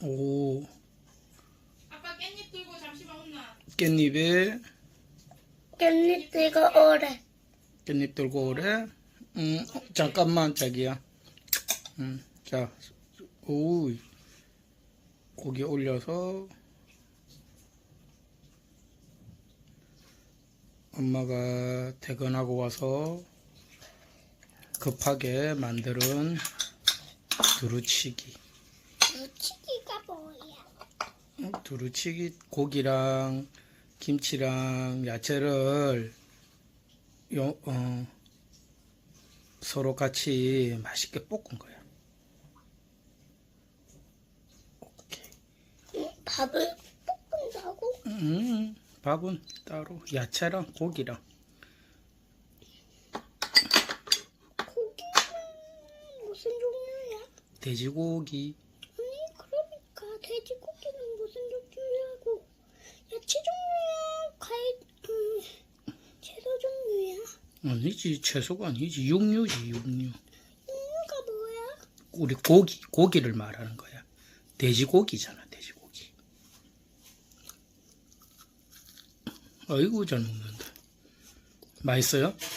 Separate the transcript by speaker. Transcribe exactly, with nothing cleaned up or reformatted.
Speaker 1: 오,
Speaker 2: 아빠 깻잎 들고 잠시만 혼나.
Speaker 1: 깻잎에,
Speaker 3: 깻잎 들고 오래.
Speaker 1: 깻잎 들고 오래? 음, 어, 잠깐만, 자기야. 음, 자, 오, 고기 올려서, 엄마가 퇴근하고 와서 급하게 만드는 두루치기.
Speaker 3: 무치기가 뭐야?
Speaker 1: 어, 두루치기 고기랑 김치랑 야채를 요, 어, 서로 같이 맛있게 볶은 거야. 오케이.
Speaker 3: 응? 밥을 볶는다고?
Speaker 1: 음, 밥은 따로 야채랑 고기랑.
Speaker 3: 고기는 무슨 종류야?
Speaker 1: 돼지고기.
Speaker 3: 아니 그러니까 돼지고기는 무슨 종류냐고. 야채 종류야? 과일 음 채소 종류야?
Speaker 1: 아니지, 채소가 아니지. 육류지, 육류.
Speaker 3: 종류가 뭐야?
Speaker 1: 우리 고기, 고기를 말하는 거야. 돼지고기잖아, 돼지고기. 아이고, 잘 먹는다. 맛있어요?